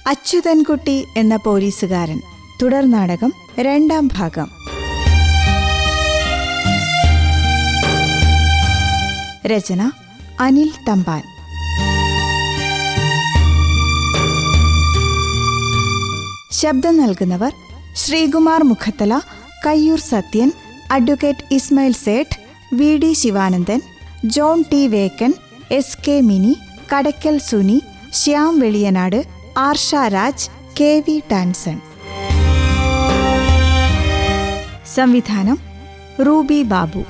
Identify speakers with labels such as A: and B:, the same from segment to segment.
A: അച്യുതൻകുട്ടി എന്ന പോലീസുകാരൻ തുടർ നാടകം രണ്ടാം ഭാഗം. രചന അനിൽ തമ്പാൻ. ശബ്ദം നൽകുന്നവർ: Sreekumar Mukhathala, Kayyoor Sathyan, advocate Ismail Sait, V D Sivanandan, John T Vekkan, S K Mini, Kadakkal Suni, Shyam Veliyanad, Arsha Raj, K V Tanson. സംവിധാനം റൂബി ബാബു.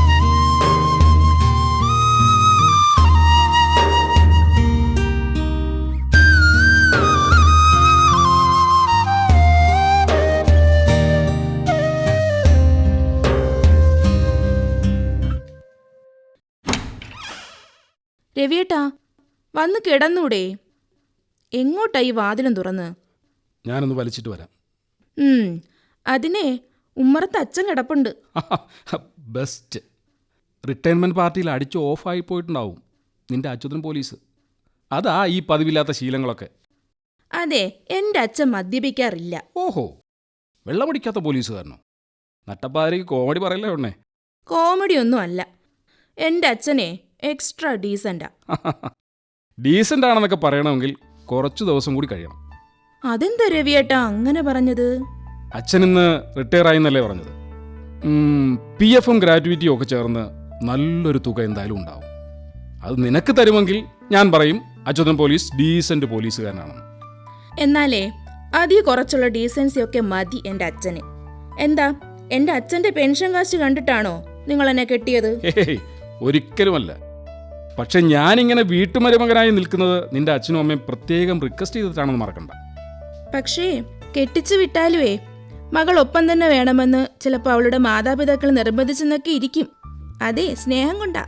B: രവിയേട്ടാ, വന്ന് കിടന്നൂടെ? എങ്ങോട്ടാ ഈ വാതിലും തുറന്ന്?
C: ഞാനൊന്ന് വലിച്ചിട്ട് വരാം.
B: അതിനെ ഉമ്മറത്ത് അച്ഛൻ കിടപ്പുണ്ട്.
C: ബെസ്റ്റ്. റിട്ടയർമെൻറ്റ് പാർട്ടിയിൽ അടിച്ച് ഓഫായി പോയിട്ടുണ്ടാവും നിന്റെ അച്യുതൻ പോലീസ്. അതാ ഈ പതിവില്ലാത്ത ശീലങ്ങളൊക്കെ.
B: അതെ, എൻ്റെ അച്ഛൻ മദ്യപിക്കാറില്ല.
C: ഓഹോ, വെള്ളമടിക്കാത്ത പോലീസുകാരനോ? നട്ടപ്പാതിരയ്ക്ക് കോമഡി പറയല്ലേ ഉണ്ണേ.
B: കോമഡിയൊന്നും അല്ല. എൻ്റെ അച്ഛനെ എക്സ്ട്രാ ഡീസൻ്റാ.
C: ഡീസൻ്റ് ആണെന്നൊക്കെ പറയണമെങ്കിൽ കുറച്ച് ദിവസം കൂടി കഴിയണം.
B: അതെന്താ രവിയേട്ടാ അങ്ങനെ പറഞ്ഞത്?
C: അച്ഛൻ ഇന്ന് റിട്ടയർ ആയിന്നല്ലേ പറഞ്ഞത്. PF ഗ്രാറ്റുവിറ്റിയും ഒക്കെ ചേർന്ന് നല്ലൊരു തുക എന്തായാലും ഉണ്ടാവും. അത് നിനക്ക് തരുമെങ്കിൽ ഞാൻ പറയും അച്യുതൻ പോലീസ് ഡീസൻ്റ് പോലീസുകാരനാണെന്ന്.
B: എന്നാലേ അതി കുറച്ചുള്ള ഡീസൻസിയൊക്കെ മതി എൻ്റെ അച്ഛന്. എന്താ, എൻ്റെ അച്ഛൻ്റെ പെൻഷൻ കാശ് കണ്ടിട്ടാണോ നിങ്ങൾ എന്നെ കെട്ടിയത്?
C: ഒരിക്കലുമല്ല. പക്ഷെ ഞാനിങ്ങനെ വീട്ടുമരുമകനായി നിൽക്കുന്നത് നിന്റെ അച്ഛനും അമ്മയും പ്രത്യേകം റിക്വസ്റ്റ് ചെയ്തിട്ടാണെന്ന് മറക്കണ്ട.
B: പക്ഷേ കെട്ടിച്ചു വിട്ടാലുവേ മകൾ ഒപ്പം തന്നെ വേണമെന്ന് ചിലപ്പോൾ അവളുടെ മാതാപിതാക്കൾ നിർബന്ധിച്ചെന്നൊക്കെ ഇരിക്കും. അതെ, സ്നേഹം കൊണ്ടാ.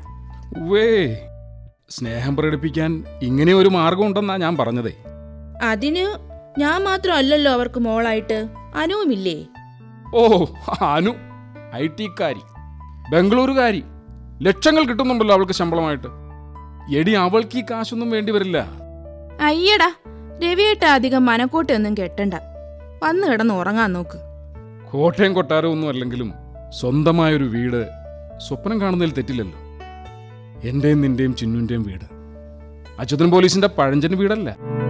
C: സ്നേഹം പ്രകടിപ്പിക്കാൻ ഇങ്ങനെ ഒരു മാർഗം ഉണ്ടെന്നാ ഞാൻ പറഞ്ഞതേ.
B: അതിന് ഞാൻ മാത്രമല്ലല്ലോ അവർക്ക് മോളായിട്ട്. അനുവുമില്ലേ?
C: ഓ, അനു IT-കാരി, ബംഗളൂരുകാരി. ലക്ഷങ്ങൾ കിട്ടുന്നുണ്ടല്ലോ അവൾക്ക് ശമ്പളമായിട്ട്. എടി, അവൾക്ക് ഈ കാശൊന്നും വേണ്ടി വരില്ല.
B: അയ്യടാ, രവിയേട്ട അധികം മനക്കോട്ടയൊന്നും കെട്ടണ്ട. വന്നു കിടന്ന് ഉറങ്ങാൻ നോക്ക്.
C: കോട്ടയം കൊട്ടാരം ഒന്നും അല്ലെങ്കിലും സ്വന്തമായൊരു വീട് സ്വപ്നം കാണുന്നതിൽ തെറ്റില്ലല്ലോ. എന്റെയും നിന്റെയും ചിന്നുന്റെയും വീട്. അച്യുതൻ പോലീസിന്റെ പഴഞ്ചൻ വീടല്ല.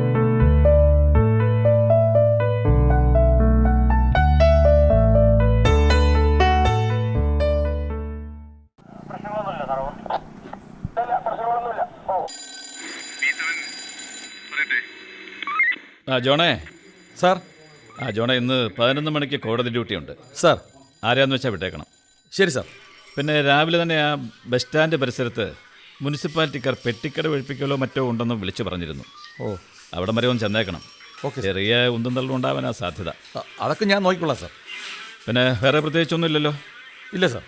D: ജോണേ.
E: സാർ.
D: ജോണേ, ഇന്ന് 11 മണിക്ക് കോടതി ഡ്യൂട്ടിയുണ്ട്.
E: സാർ.
D: ആരാന്ന് വെച്ചാൽ വിട്ടേക്കണം.
E: ശരി സാർ.
D: പിന്നെ രാവിലെ തന്നെ ആ ബസ് സ്റ്റാൻഡ് പരിസരത്ത് മുനിസിപ്പാലിറ്റിക്കാർ പെട്ടിക്കട ഒഴിപ്പിക്കലോ മറ്റോ ഉണ്ടെന്ന് വിളിച്ചു പറഞ്ഞിരുന്നു. അവിടെ വരെ ഒന്ന് ചെന്നേക്കണം.
E: ഓക്കെ.
D: ചെറിയ ഉന്തും തള്ളും ഉണ്ടാവാനാ സാധ്യത.
E: അതൊക്കെ ഞാൻ നോക്കിക്കൊള്ളാം സാർ.
D: പിന്നെ വേറെ പ്രത്യേകിച്ചൊന്നും ഇല്ലല്ലോ?
E: ഇല്ല സാർ.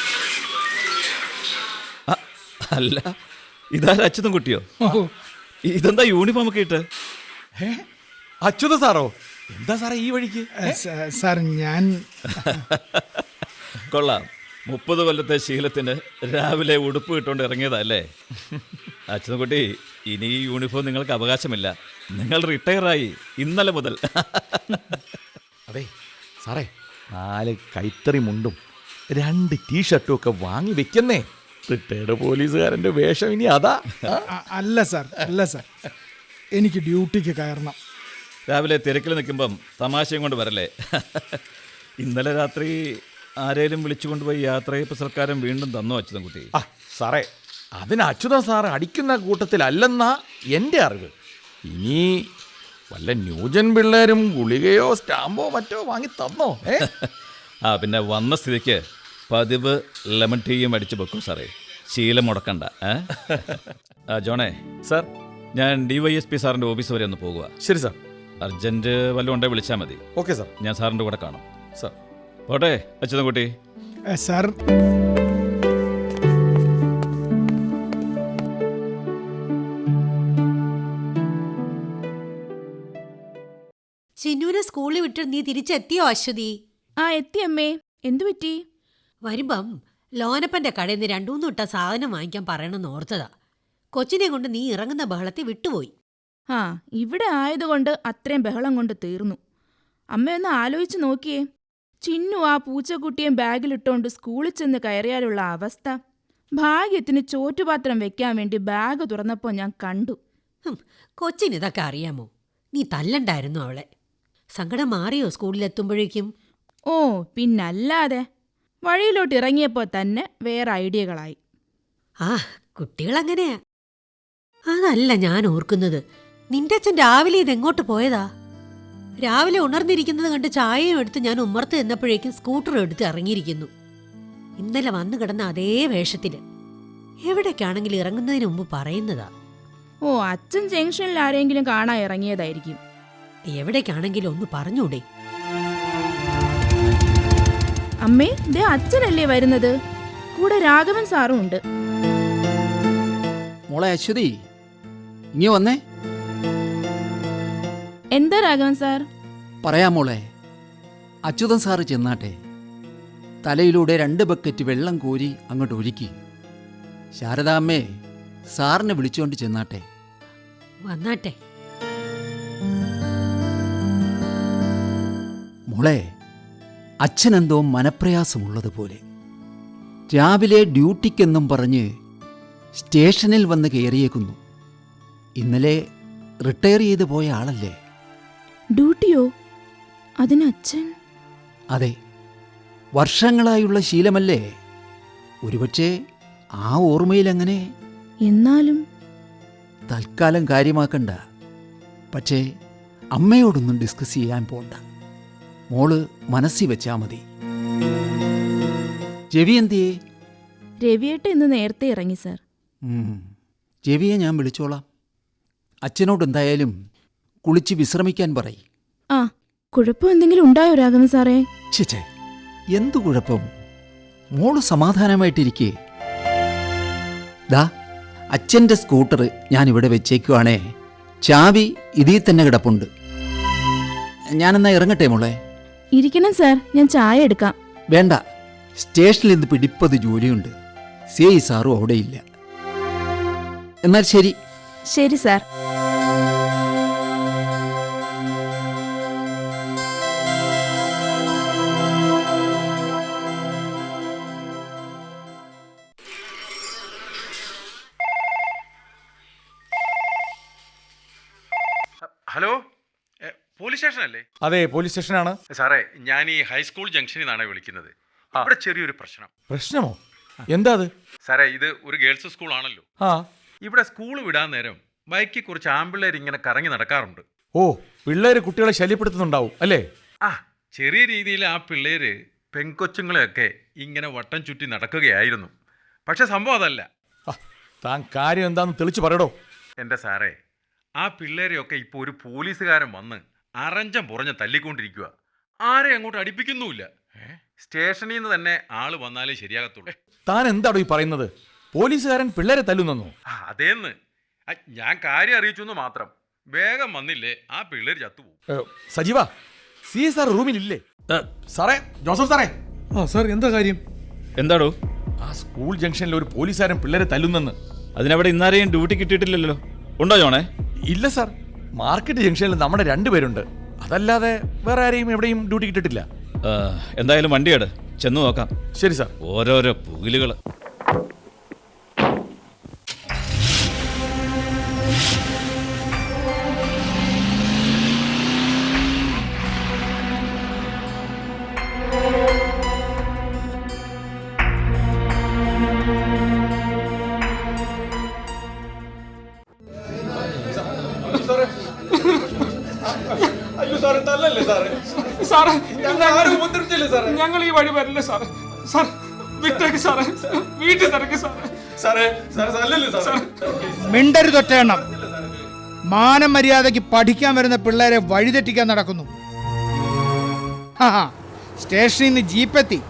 D: അല്ല, ഇതാരും അച്യുതൻ കുട്ടിയോ? ഇതെന്താ യൂണിഫോം ഒക്കെ ഇട്ട്?
E: അച്യുത സാറോ? എന്താ സാറേ ഈ വഴിക്ക്?
F: സാർ, ഞാൻ
D: കൊള്ളാം. 30 കൊല്ലത്തെ ശീലത്തിന് രാവിലെ ഉടുപ്പ് ഇട്ടുകൊണ്ട് ഇറങ്ങിയതല്ലേ? അച്യുതൻകുട്ടി, ഇനി ഈ യൂണിഫോം നിങ്ങൾക്ക് അവകാശമില്ല. നിങ്ങൾ റിട്ടയറായി ഇന്നലെ മുതൽ.
E: അതെ സാറേ, 4 കൈത്തറി മുണ്ടും 2 ടീഷർട്ടും ഒക്കെ വാങ്ങി വെക്കുന്നേ. റിട്ടയർഡ് പോലീസുകാരൻ്റെ വേഷം ഇനി അതാ?
F: അല്ല സാർ, അല്ല സാർ, എനിക്ക് ഡ്യൂട്ടിക്ക് കയറണം.
D: രാവിലെ തിരക്കിൽ നിൽക്കുമ്പം തമാശയും കൊണ്ട് വരല്ലേ. ഇന്നലെ രാത്രി ആരേലും വിളിച്ചുകൊണ്ടുപോയി യാത്രയപ്പ് സൽക്കാരം വീണ്ടും തന്നോ അച്യുതൻകുട്ടി?
E: സാറേ, അതിന് അച്യുതൻ സാറ് അടിക്കുന്ന കൂട്ടത്തിലല്ലെന്നാ എൻ്റെ അറിവ്. ഇനി വല്ല ന്യൂജൻ പിള്ളേരും ഗുളികയോ സ്റ്റാമ്പോ മറ്റോ വാങ്ങി തന്നോ?
D: പിന്നെ വന്ന സ്ഥിതിക്ക് പതിവ് ലെമൺ ടീയും അടിച്ചു വെക്കും സാറേ. ശീലം മുടക്കണ്ട. ജോണേ.
E: സാർ.
D: ഞാൻ DYSP സാറിൻ്റെ ഓഫീസ് വരെ ഒന്ന് പോകുക.
E: ശരി സാർ.
D: അർജൻറ്റ് വല്ലതും ഉണ്ടെങ്കിൽ വിളിച്ചാൽ മതി.
E: Okay sir.
D: ഞാൻ സാറിൻ്റെ കൂടെ കാണും.
E: സാർ.
D: പോട്ടെ അച്യുതൻകുട്ടി.
F: സാർ.
G: ചിന്നുവിനെ സ്കൂളിൽ വിട്ട് നീ തിരിച്ചെത്തിയോ അശ്വതി?
B: എത്തി അമ്മേ. എന്തു പറ്റി?
G: വരുമ്പം ലോനപ്പന്റെ കടയിൽ നിന്ന് 2-3 ഇട്ട സാധനം വാങ്ങിക്കാൻ പറയണമെന്ന് ഓർത്തതാ. കൊച്ചിനെ കൊണ്ട് നീ ഇറങ്ങുന്ന ബഹളത്തിൽ വിട്ടുപോയി.
B: ആ ഇവിടെ ആയതുകൊണ്ട് അത്രയും ബഹളം കൊണ്ട് തീർന്നു. അമ്മയൊന്ന് ആലോചിച്ച് നോക്കിയേ, ചിന്നു ആ പൂച്ചക്കുട്ടിയും ബാഗിലിട്ടോണ്ട് സ്കൂളിൽ ചെന്ന് കയറിയാലുള്ള അവസ്ഥ. ഭാഗ്യത്തിന് ചോറ്റുപാത്രം വെക്കാൻ വേണ്ടി ബാഗ് തുറന്നപ്പോൾ ഞാൻ കണ്ടു.
G: കൊച്ചിന് ഇതൊക്കെ അറിയാമോ? നീ തല്ലണ്ടായിരുന്നു അവളെ. സങ്കടം മാറിയോ സ്കൂളിലെത്തുമ്പോഴേക്കും?
B: ഓ പിന്നല്ലാതെ, വഴിയിലോട്ട് ഇറങ്ങിയപ്പോൾ തന്നെ വേറെ ഐഡിയകളായി.
G: ആ കുട്ടികളങ്ങനെയാ. അതല്ല ഞാൻ ഓർക്കുന്നത്, നിന്റെ അച്ഛൻ രാവിലെ ഇതെങ്ങോട്ട് പോയതാ? രാവിലെ ഉണർന്നിരിക്കുന്നത് കണ്ട് ചായയും എടുത്ത് ഞാൻ ഉമ്മർത്ത് ചെന്നപ്പോഴേക്കും സ്കൂട്ടർ എടുത്ത് ഇറങ്ങിയിരിക്കുന്നു. ഇന്നലെ വന്നു കിടന്ന അതേ വേഷത്തില്. എവിടേക്കാണെങ്കിലും ഇറങ്ങുന്നതിന് മുമ്പ് പറയുന്നതാ.
B: ഓ അച്ഛൻ ജംഗ്ഷനിൽ ആരെങ്കിലും കാണാൻ ഇറങ്ങിയതായിരിക്കും.
G: എവിടേക്കാണെങ്കിലും ഒന്ന് പറഞ്ഞൂടെ?
B: അമ്മേ, ദേ അച്ഛനല്ലേ വരുന്നത്, കൂടെ രാഘവൻ സാറും ഉണ്ട്.
H: മോളെ അശ്വതി, ഇനി വന്നേ.
B: എന്താ രാഘവൻ സാർ?
H: പറയാം മോളെ. അച്യുതൻ സാറ് ചെന്നാട്ടെ. തലയിലൂടെ 2 ബക്കറ്റ് വെള്ളം കോരി അങ്ങോട്ട് ഒഴുക്കി. ശാരദാമ്മേ, സാറിനെ വിളിച്ചുകൊണ്ട് ചെന്നാട്ടെ.
G: വന്നാട്ടെ.
H: മോളെ, അച്ഛനെന്തോ മനപ്രയാസമുള്ളതുപോലെ. രാവിലെ ഡ്യൂട്ടിക്കെന്നും പറഞ്ഞ് സ്റ്റേഷനിൽ വന്ന് കയറിയേക്കുന്നു. ഇന്നലെ റിട്ടയർ ചെയ്ത് പോയ ആളല്ലേ?
B: ഡ്യൂട്ടിയോ? അതിന് അച്ഛൻ?
H: അതെ, വർഷങ്ങളായുള്ള ശീലമല്ലേ. ഒരുപക്ഷെ ആ ഓർമ്മയിലങ്ങനെ.
B: എന്നാലും
H: തൽക്കാലം കാര്യമാക്കണ്ട. പക്ഷേ അമ്മയോടൊന്നും ഡിസ്കസ് ചെയ്യാൻ പോണ്ട. മോള് മനസ്സിൽ വെച്ചാ മതി. രവി എന്തിയേ?
B: രവിയേട്ട ഇന്ന് നേരത്തെ ഇറങ്ങി സാർ.
H: രവിയെ ഞാൻ വിളിച്ചോളാം. അച്ഛനോട് എന്തായാലും കുളിച്ച് വിശ്രമിക്കാൻ പറയും.
B: ആ കുഴപ്പം എന്തെങ്കിലും ഉണ്ടായോ രാഘവൻ സാറേ?
H: ചേച്ചേ, എന്തു കുഴപ്പം? മോള് സമാധാനമായിട്ടിരിക്കേ. ദാ അച്ഛൻ്റെ സ്കൂട്ടർ ഞാനിവിടെ വെച്ചേക്കുവാണേ. ചാവി ഇതിൽ തന്നെ കിടപ്പുണ്ട്. ഞാനെന്നാ ഇറങ്ങട്ടെ മോളെ?
B: ഇരിക്കണം സാർ, ഞാൻ ചായ എടുക്കാം.
H: വേണ്ട, സ്റ്റേഷനിൽ നിന്ന് പിടിപ്പത് ജോലിയുണ്ട്. സി സാറും അവിടെയില്ല. എന്നാൽ ശരി.
B: ശരി സാർ.
I: Hello, police സ്റ്റേഷനല്ലേ?
E: അതെ, പോലീസ് സ്റ്റേഷനാണ്
I: സാറേ. ഞാൻ ഈ ഹൈസ്കൂൾ ജംഗ്ഷനിൽ നിന്നാണ് വിളിക്കുന്നത്. ഇവിടെ ചെറിയൊരു പ്രശ്നം.
E: പ്രശ്നമോ? എന്താ അത്?
I: സാറേ, ഇത് ഒരു ഗേൾസ് സ്കൂൾ ആണല്ലോ.
E: ആ,
I: ഇവിടെ സ്കൂൾ വിടാൻ നേരം ബൈക്കിൽ കുറച്ച് ആമ്പിള്ളേർ ഇങ്ങനെ കറങ്ങി നടക്കാറുണ്ട്.
E: ഓ, പിള്ളേര് കുട്ടികളെ ശല്യപ്പെടുത്തുന്നുണ്ടാവും അല്ലേ?
I: ആ, ചെറിയ രീതിയിൽ ആ പിള്ളേര് പെൺകൊച്ചുങ്ങളെയൊക്കെ ഇങ്ങനെ വട്ടം ചുറ്റി നടക്കുകയായിരുന്നു. പക്ഷെ സംഭവം അതല്ല.
E: താൻ കാര്യം എന്താന്ന് തെളിച്ചു പറയടോ.
I: എൻ്റെ സാറേ, ആ പിള്ളേരെയൊക്കെ ഇപ്പോൾ ഒരു പോലീസുകാരൻ വന്ന് അറഞ്ചം പുറഞ്ഞ് തല്ലിക്കൊണ്ടിരിക്കുക. ആരെ അങ്ങോട്ട് അടുപ്പിക്കുന്നുമില്ല. സ്റ്റേഷനിൽ നിന്ന് തന്നെ ആള് വന്നാലേ ശരിയാകത്തുള്ളൂ.
E: താൻ എന്താടോ ഈ പറയുന്നത്? പോലീസുകാരൻ പിള്ളേരെ തല്ലുന്നു?
I: അതേന്ന് ഞാൻ കാര്യം അറിയിച്ചു എന്ന് മാത്രം. വേഗം വന്നില്ലേ ആ പിള്ളേർ ചത്തുപോകും.
E: സജീവ, സി സാർ റൂമിലില്ലേ? സാറേ, ജോസഫ് സാറേ.
F: ആ സാർ, എന്താ കാര്യം?
D: എന്താടോ?
E: ആ സ്കൂൾ ജംഗ്ഷനിൽ ഒരു പോലീസുകാരൻ പിള്ളേരെ തല്ലുന്നെന്ന്.
D: അതിനവിടെ ഇന്നാരെയും ഡ്യൂട്ടി കിട്ടിയിട്ടില്ലല്ലോ. ഉണ്ടോ ജോണേ?
E: ഇല്ല സാർ, മാർക്കറ്റ് ജംഗ്ഷനിൽ നമ്മുടെ 2 പേരുണ്ട്. അതല്ലാതെ വേറെ ആരെയും എവിടെയും ഡ്യൂട്ടി കിട്ടിയിട്ടില്ല.
D: എന്തായാലും വണ്ടിയാട്, ചെന്ന് നോക്കാം.
E: ശരി സാർ.
D: ഓരോരോ പുകിലുകൾ.
C: ഞങ്ങൾ ഈ വഴി വരില്ല സാറേ. സാർ വിട്ടേക്ക് സാറേ, വീട്ടിൽ തിരക്ക് സാറേ.
F: മിണ്ടരുതൊറ്റയെണ്ണം. മാനം മര്യാദയ്ക്ക് പഠിക്കാൻ വരുന്ന പിള്ളേരെ വഴിതെറ്റിക്കാൻ നടക്കുന്നു. സ്റ്റേഷനിൽ നിന്ന് ജീപ്പെത്തി.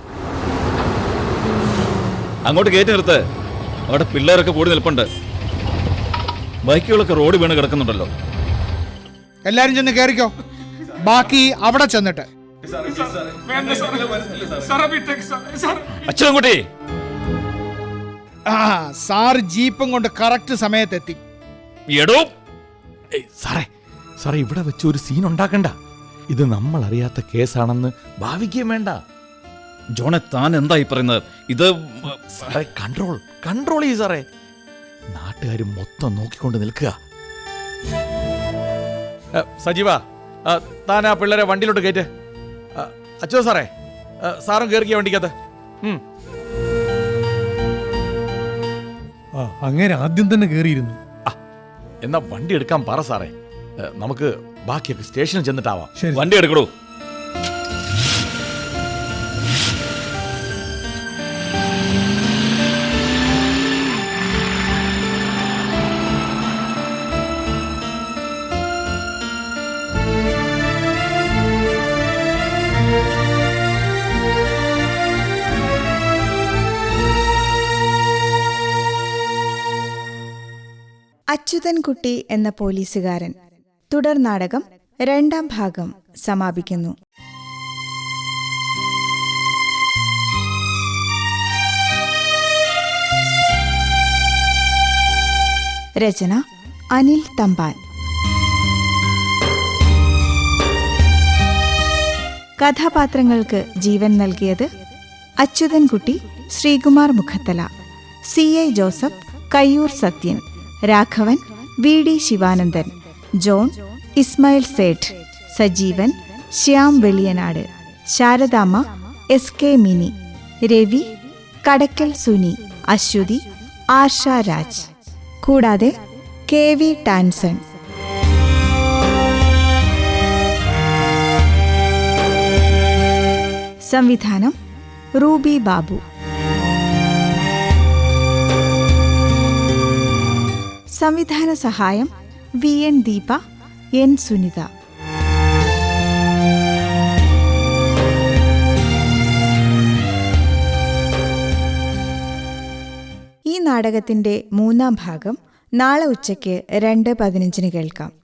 D: അങ്ങോട്ട് കയറ്റി നിർത്ത്. അവിടെ പിള്ളേരൊക്കെ കൂടി നിൽപ്പുണ്ട്. ബൈക്കുകളൊക്കെ റോഡ് വീണ് കിടക്കുന്നുണ്ടല്ലോ.
F: എല്ലാരും ചെന്ന് കയറിക്കോ. ബാക്കി അവിടെ ചെന്നിട്ട്.
D: അച്ഛൻകുട്ടി,
F: സാർ ജീപ്പും കൊണ്ട് കറക്റ്റ് സമയത്തെത്തി.
D: എടോ,
E: സാറേ സാറേ ഇവിടെ വെച്ച് ഒരു സീൻ ഉണ്ടാക്കണ്ട. ഇത് നമ്മൾ അറിയാത്ത കേസാണെന്ന് ഭാവിക്കുകയും വേണ്ട.
D: ജോണെ, താൻ എന്തായി പറയുന്നത്? ഇത്
E: സാറേ കൺട്രോൾ ചെയ്യൂ സാറേ. നാട്ടുകാർ മൊത്തം നോക്കിക്കൊണ്ട് നിൽക്കുക. സജീവ, താൻ ആ പിള്ളേരെ വണ്ടിയിലോട്ട് കയറ്റ്. അച്ഛോ സാറേ, സാറും കയറിയ വണ്ടിക്കകത്ത്.
F: അങ്ങനെ ആദ്യം തന്നെ കയറിയിരുന്നു.
E: എന്നാ വണ്ടി എടുക്കാൻ പറ സാറേ. നമുക്ക് ബാക്കിയൊക്കെ സ്റ്റേഷനിൽ ചെന്നിട്ടാവാം.
D: വണ്ടി എടുക്കടൂ.
A: അച്യുതൻകുട്ടി എന്ന പോലീസുകാരൻ തുടർ നാടകം 2ാം ഭാഗം സമാപിക്കുന്നു. രചന അനിൽ തമ്പാൻ. കഥാപാത്രങ്ങൾക്ക് ജീവൻ നൽകിയത് Achuthankutty Sreekumar Mukhathala, CI Joseph Kayyoor Sathyan, Raghavan VD Sivanandan, John Ismail Sait, Sajeevan Shyam Veliyanad, Saradamma SK Mini, Ravi Kadakkal Suni, Aswathy Arsha Raj, കൂടാതെ KV ടാൻസൺ. സംവിധാനം റൂബി ബാബു. സംവിധാന സഹായം VN ദീപ, N സുനിത. ഈ നാടകത്തിന്റെ 3ാം ഭാഗം നാളെ ഉച്ചയ്ക്ക് 2:15 കേൾക്കാം.